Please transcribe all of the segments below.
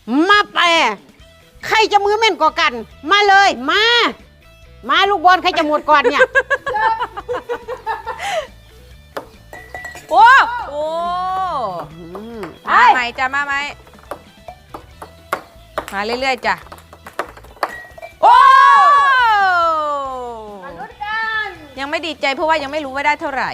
มาแปรใครจะมือแม่นกว่ากันมาเลยมาลูกบอลใครจะหมดก่อนเนี่ยโอ้มาใหม่จ้ะมาไหมมาเรื่อยๆจ้ะโอ้ยังไม่ดีใจเพราะว่ายังไม่รู้ว่าได้เท่าไหร่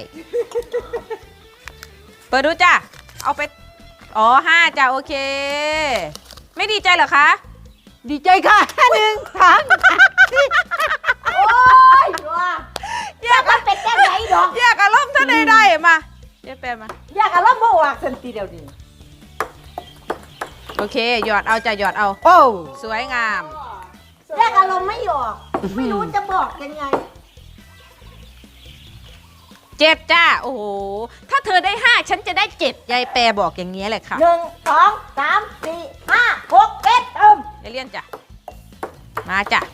เปิดดูจ้ะเอาไปอ๋อ5จ้ะโอเคไม่ดีใจเหรอคะดีใจค่ะ1 2 โอ้ยอยากเป็นแก้ไหนดอกอยากอารมณ์ท่านใดๆมาเจ๊แปมมาอยากอารมณ์บ่ออกสันติเดียวนี้โอเคหยอดเอาจ้ะหยอดเอาโอ้สวยงามอยากอารมณ์ไม่ออกไม่รู้จะบอกยังไง 7จ้าโอ้โหถ้าเธอได้5ฉันจะได้7ยายแปรบอกอย่างนี้แหละค่ะ 1 2 3 4 5 6 7 ยายเลี่ยนจ้ะมาจ้ะ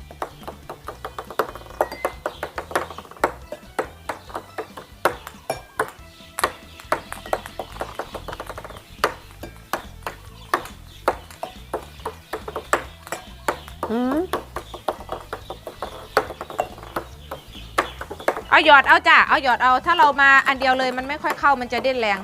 เอาหยอดเอาจ้ะเอาหยอดเอาถ้าเรามาอันเดียวเลยมันไม่ค่อยเข้ามันจะเด่นแรง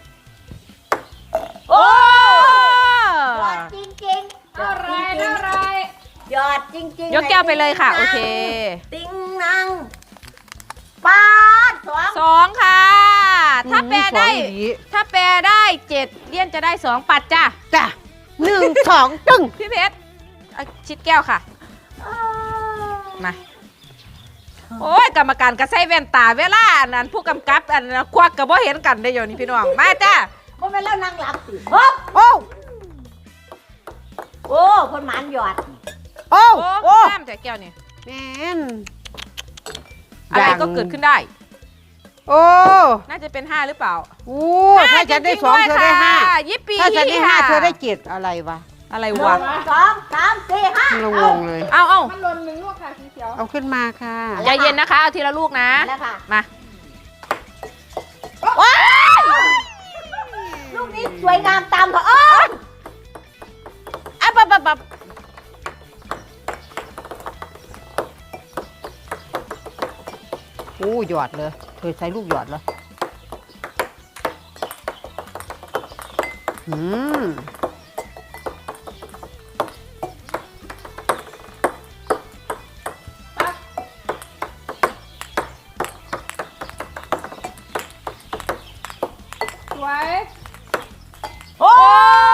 โอ้ยอดจริงๆอะไรยอดจริงๆยกแก้วไปเลยค่ะโอเคติงนังปาด 2ค่ะถ้าแปรได้7เลี่ยนจะได้2ปัดจ้ะ 1 2ตึ้งพี่เพชรชิดแก้วค่ะมาโอ้ยกรรมการก็ใส่แว่นตาเวลานั้นผู้กำกับอันควักกับบ่เห็นกันได้อยู่นี่พี่น้องมาจ้าบ่แม่นแล้วนางหลับสิโอ้คนหมานหยอดโอ้น้ำแต่แก้วนี่แม่นอะไรก็เกิดขึ้นได้โอ้น่าจะเป็น5หรือเปล่าถ้าฉันได้2เธอได้5 ยิปปี้ถ้าฉันได้5เธอได้7อะไรวะอะไรวะ2 3 4 5 งงเลยเอามันหล่น1 ลูกค่ะสีเขียวเอาขึ้นมาค่ะใจเย็นนะคะเอาทีละลูกนะมาลูกนี้สวยงามตามเถอะปั๊บโอ้หยอดเลยเธอใช้ลูกหยอดเหรอสวยโอ้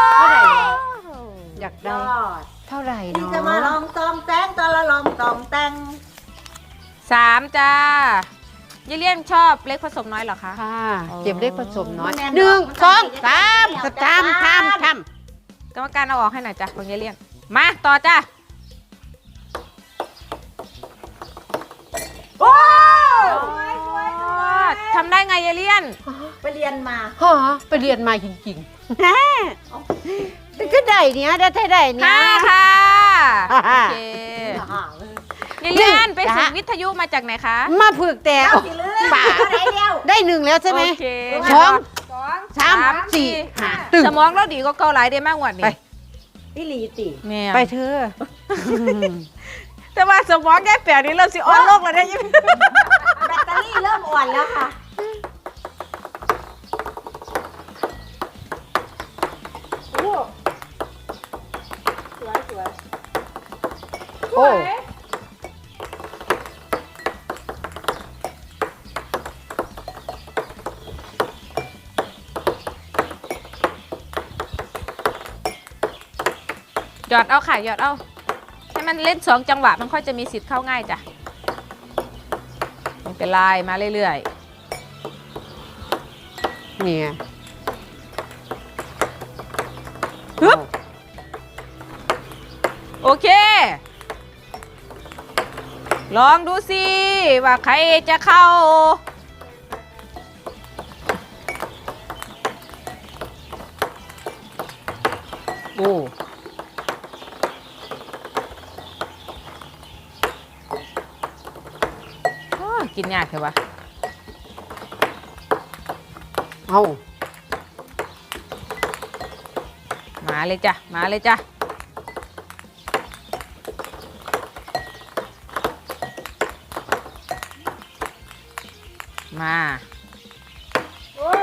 อยากได้เท่าไหร่เนาะจะมาลองตองแตงตะละลองตองแตง 3จ้ายายเลี่ยนชอบเล็กผสมน้อยเหรอคะค่ะเก็บเล็กผสมน้อย1 2 3ทำกรรมการเอาออกให้หน่อยจ้ะของยายเลี่ยนมาต่อจ้าโอ้ทำได้ไงยายเลี่ยนไปเรียนมาไปเรียนมาจริงๆก็ได้เนี้ยได้เนี่ย 5ค่ะโอเคยายเลี่ยนไปฝึกวิทยุมาจากไหนคะมาฝึกแต่ป่าได้1แล้วใช่ไหม2 3 4 5ตึ้งสมองเราดีก็เกาหลายได้มากกว่านี้พี่ลีติไปเธอแต่ว่าสมองแก้แปลนี้เริ่มสิอ่อนโลกแล้วได้ยังแบตเตอรี่เริ่มอ่อนแล้วค่ะโอ้หยอดเอาค่ะหยอดเอาให้มันเล่น2จังหวะมันค่อยจะมีสิทธิ์เข้าง่ายจ้ะเป็นลายมาเรื่อยๆเนี่ยฮึบโอเคลองดูสิว่าใครจะเข้าโอ้กินยากใช่ปะเอามามาเลยจ้ะมาเลยจ้ะมาโอ้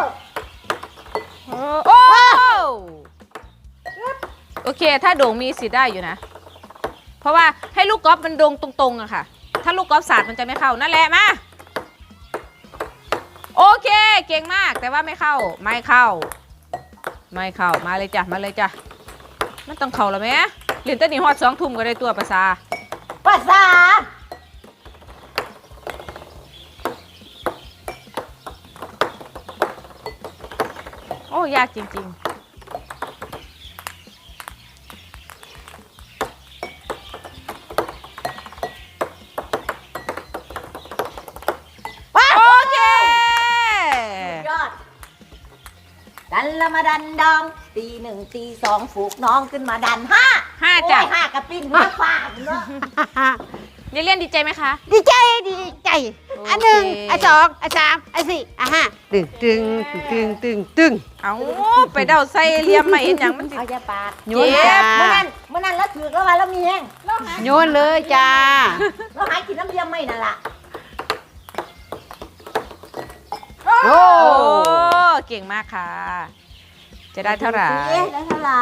โอเคถ้าโด่งมีสิทธิ์ได้อยู่นะเพราะว่าให้ลูกกอล์ฟมันโด่งตรงๆอะค่ะถ้าลูกกอล์ฟสาดมันจะไม่เข้านั่นแหละมาโอเคเก่งมากแต่ว่าไม่เข้าไม่เข้ามาเลยจ้ะมาเลยจ้ะมันต้องเข้าแล้วไหมเรียนตั้งแต่ฮอด2 ทุ่มก็ได้ตัวภาษาโอ้ยากจริงๆโอเคยอดดันละมาดันดองตีหนึ่งตีสองฝูกน้องขึ้นมาดันห้า 5จ้ะโอ้ยห้ากระปิ้นหัวฟาดเนาะเรียนดีใจไหมคะดีใจดีใจโอเคอันหนึ่งอันสองอันสามอันสี่อันห้าตึงตึงตึงตึงตึงเอาไปเดาใส่เหลี่ยมมาเห็นอย่างมันสิเอาจะปาดโยนจ้าเมื่อนั้นแล้วถือแล้วว่าเรามีแห้งโยนเลยจ้าเราหายกินน้ำเยี่ยมไม่นั่นล่ะโอ้โอ้เก่งมากค่ะ จะได้เท่าไหร่ได้เท่าไหร่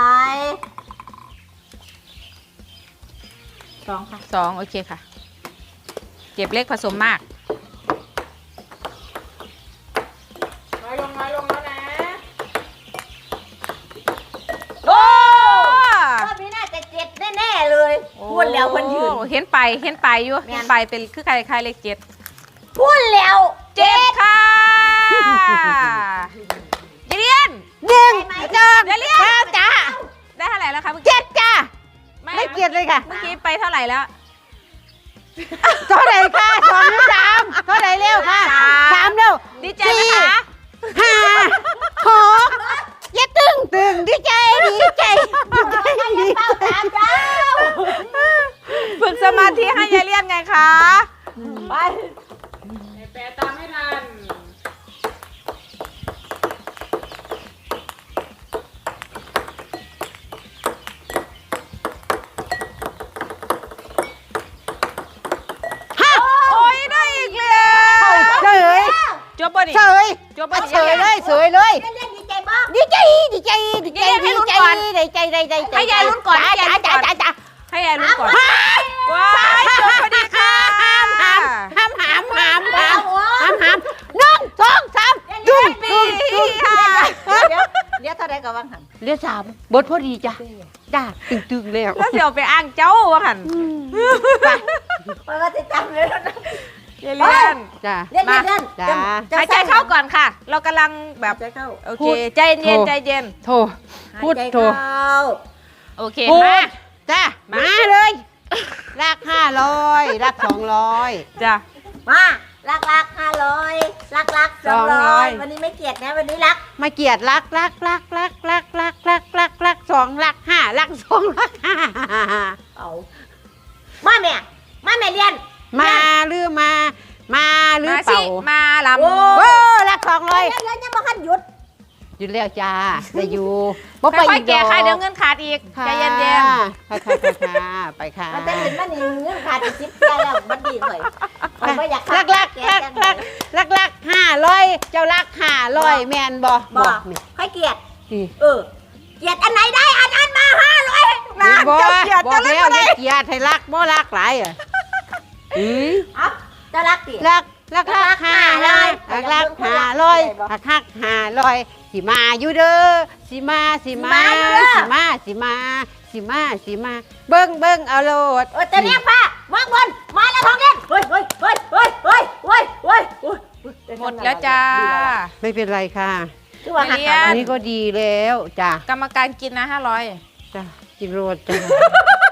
2ค่ะ 2โอเคค่ะ เก็บเล็กผสมมากน้อยลงแล้วนะโอ้รอบนี้น่าจะ7แน่ๆเลยพูดแล้วคนยืนโอ้เห็นไปอยู่แม่นเห็นไปเป็นคือใครเลข7 พูดแล้ว 7ค่ะเรียนหนึ่งสองเดี๋ยวเรียนสามจ้าได้เท่าไหร่แล้วคะเมื่อกี้เจ็ดจ้าไม่เกียดเลยค่ะเมื่อกี้ไปเท่าไหร่แล้วเท่าไหร่ค่ะสองหรือสามเท่าไหร่เร็วค่ะสามเร็วดีใจไหมคะห้าหกอย่าตึงดีใจดีใจดีเป้าตามเจ้าฝึกสมาธิให้ยายเลียนไงคะไปแปลตามไม่ทันโอ้ยได้อีกแล้วเฉยจบบ่ดิเฉยจบบ่ดิเฉยเลยเฉยเลยเล่นดีใจบ้างดีใจดีใจดีใจดีใจดีใจดีใจจ้าจ้าจ้าให้ยายลุ้นก่อนว้ายจบพอดีค่ะหามหนึ่งสองสามดุ้งปีค่ะเดี๋ยวเท่าไรก็ว่างหันเรียกสามบทพอดีจ้าจ้าตึงแล้วแล้วเดี๋ยวไปอ้างเจ้าว่าหันเพราะว่าจะจำเลยนะยายเลียนจ้าเล่นจ้าหายใจเข้าก่อนค่ะ เรากำลังแบบใจเข้าโอเคใจเย็นใจเย็นโทพูดโทโอเคพูมาดจ้ามาเลยรัก500รัก200 จ้ะมารัก500รัก200วันนี้ไม่เกลียดนะวันนี้รักมาเกียรติรัก2รัก5รัก2รัก5 เอามาแม่เรียนมาหรือมาหรือมาเปสิล่ามาลำโอ้โอ้รักเรียนยังมาขั้นหยุด 200อยู่แล้วจ้าได้อยู่ค่อยๆแก่ค่ะเดี๋ยวเงินขาดอีกใจเย็นค่ะไปค่ะมันจะเห็นมันนี่เงื่อนขาดชิปแก่แล้วมันดีเลยมันไม่อยากรัก500เจ้ารัก500แมนบ่บอกนี่ให้เกียรตินี่เกียรติอันไหนได้อันนั้นมา500นะบ่เจ้าเกียรติบอจะกเล่นแล้วอะไรเกียรติให้รักบ่รักหลายอ่ะอ่ะจะรักเกียรติรัก500รัก500สิมาอยู่เด้อสิมาเบิ่งเอาโลดจะเรียกป้าวางบนมาแล้วทองเล่นเฮ้ยหมดแล้วจ้าไม่เป็นไรค่ะคือว่าหักเรียอันนี้ก็ดีแล้วจ้ะกรรมการกินนะ500 จ้ะกินโรดจ้ะ